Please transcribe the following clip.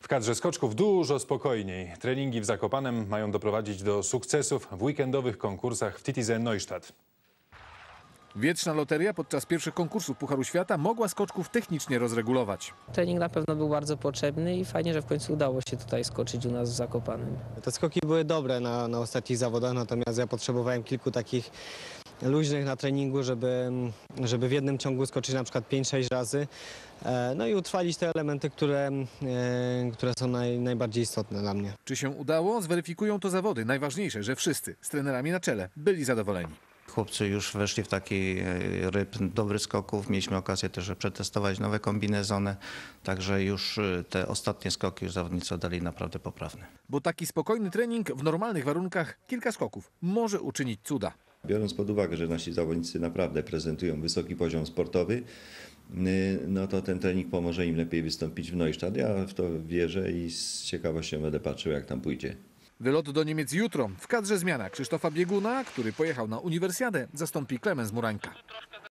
W kadrze skoczków dużo spokojniej. Treningi w Zakopanem mają doprowadzić do sukcesów w weekendowych konkursach w TTZ Neustadt. Wietrzna loteria podczas pierwszych konkursów Pucharu Świata mogła skoczków technicznie rozregulować. Trening na pewno był bardzo potrzebny i fajnie, że w końcu udało się tutaj skoczyć u nas w Zakopanem. Te skoki były dobre na ostatnich zawodach, natomiast ja potrzebowałem kilku takich luźnych na treningu, żeby w jednym ciągu skoczyć na przykład 5-6 razy. No i utrwalić te elementy, które są najbardziej istotne dla mnie. Czy się udało? Zweryfikują to zawody. Najważniejsze, że wszyscy z trenerami na czele byli zadowoleni. Chłopcy już weszli w taki rytm dobrych skoków. Mieliśmy okazję też przetestować nowe kombinezony, także już te ostatnie skoki już zawodnicy oddali naprawdę poprawne. Bo taki spokojny trening w normalnych warunkach, kilka skoków, może uczynić cuda. Biorąc pod uwagę, że nasi zawodnicy naprawdę prezentują wysoki poziom sportowy, no to ten trening pomoże im lepiej wystąpić w Neustadt. Ja w to wierzę i z ciekawością będę patrzył, jak tam pójdzie. Wylot do Niemiec jutro. W kadrze zmiana Krzysztofa Bieguna, który pojechał na uniwersjadę, zastąpi Klemens Murańka.